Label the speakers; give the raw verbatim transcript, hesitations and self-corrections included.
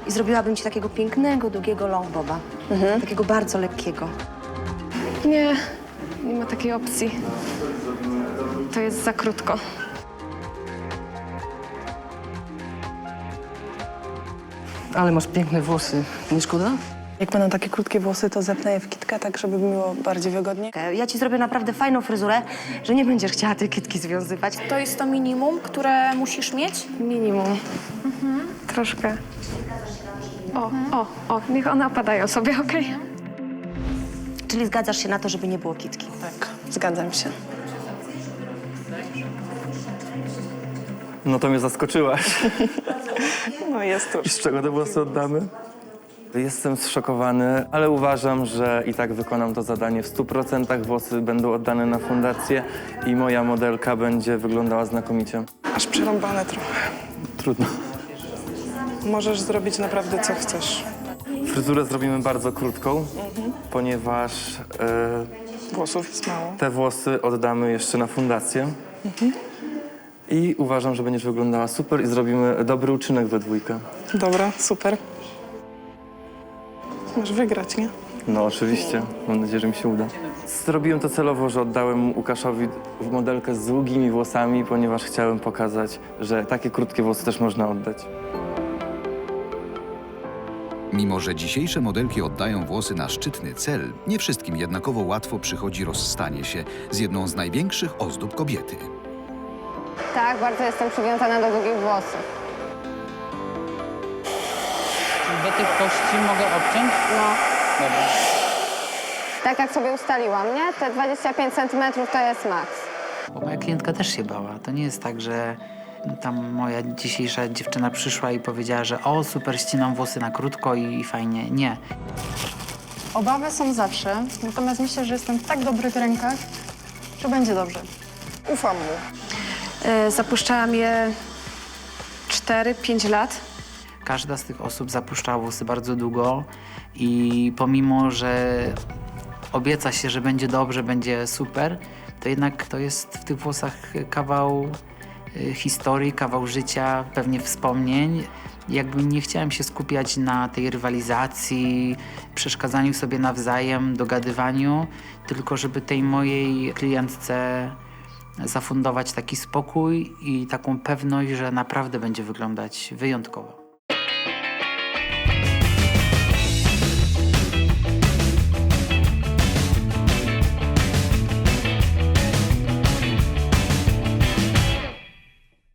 Speaker 1: I zrobiłabym ci takiego pięknego, długiego longboba. Mhm. Takiego bardzo lekkiego.
Speaker 2: Nie, nie ma takiej opcji. To jest za krótko.
Speaker 3: Ale masz piękne włosy. Nie szkoda?
Speaker 4: Jak będą takie krótkie włosy, to zepnę je w kitkę, tak żeby było bardziej wygodnie.
Speaker 1: Ja ci zrobię naprawdę fajną fryzurę, że nie będziesz chciała tej kitki związywać.
Speaker 5: To jest to minimum, które musisz mieć?
Speaker 2: Minimum. Mhm. Troszkę. O, o, o, niech one opadają sobie, okej?
Speaker 1: Czyli zgadzasz się na to, żeby nie było kitki?
Speaker 4: Tak, zgadzam się.
Speaker 6: No to mnie zaskoczyłaś.
Speaker 4: No jest
Speaker 6: I
Speaker 4: tuż.
Speaker 6: z czego te włosy oddamy? Jestem zszokowany, ale uważam, że i tak wykonam to zadanie w stu procentach. Włosy będą oddane na fundację i moja modelka będzie wyglądała znakomicie.
Speaker 4: Aż przerąbane trochę.
Speaker 6: Trudno.
Speaker 4: Możesz zrobić naprawdę co chcesz.
Speaker 6: Fryzurę zrobimy bardzo krótką, ponieważ e,
Speaker 4: Włosów jest mało.
Speaker 6: te włosy oddamy jeszcze na fundację. I uważam, że będziesz wyglądała super i zrobimy dobry uczynek we dwójkę.
Speaker 4: Dobra, super. Masz wygrać, nie?
Speaker 6: No oczywiście, mam nadzieję, że mi się uda. Zrobiłem to celowo, że oddałem Łukaszowi modelkę z długimi włosami, ponieważ chciałem pokazać, że takie krótkie włosy też można oddać.
Speaker 7: Mimo że dzisiejsze modelki oddają włosy na szczytny cel, nie wszystkim jednakowo łatwo przychodzi rozstanie się z jedną z największych ozdób kobiety.
Speaker 8: Tak, bardzo jestem przywiązana do długich włosów.
Speaker 9: Do tych kości mogę obciąć?
Speaker 8: No,
Speaker 9: Dobra.
Speaker 8: tak jak sobie ustaliłam, nie? Te dwadzieścia pięć centymetrów to jest maks.
Speaker 9: Bo moja klientka też się bała. To nie jest tak, że tam moja dzisiejsza dziewczyna przyszła i powiedziała, że o, super, ścinam włosy na krótko i, i fajnie. Nie.
Speaker 10: Obawy są zawsze, natomiast myślę, że jestem w tak dobrych rękach, że będzie dobrze.
Speaker 4: Ufam mu.
Speaker 2: E, zapuszczałam je cztery pięć lat.
Speaker 9: Każda z tych osób zapuszczała włosy bardzo długo i pomimo, że obieca się, że będzie dobrze, będzie super, to jednak to jest w tych włosach kawał y, historii, kawał życia, pewnie wspomnień. Jakby nie chciałem się skupiać na tej rywalizacji, przeszkadzaniu sobie nawzajem, dogadywaniu, tylko żeby tej mojej klientce zafundować taki spokój i taką pewność, że naprawdę będzie wyglądać wyjątkowo.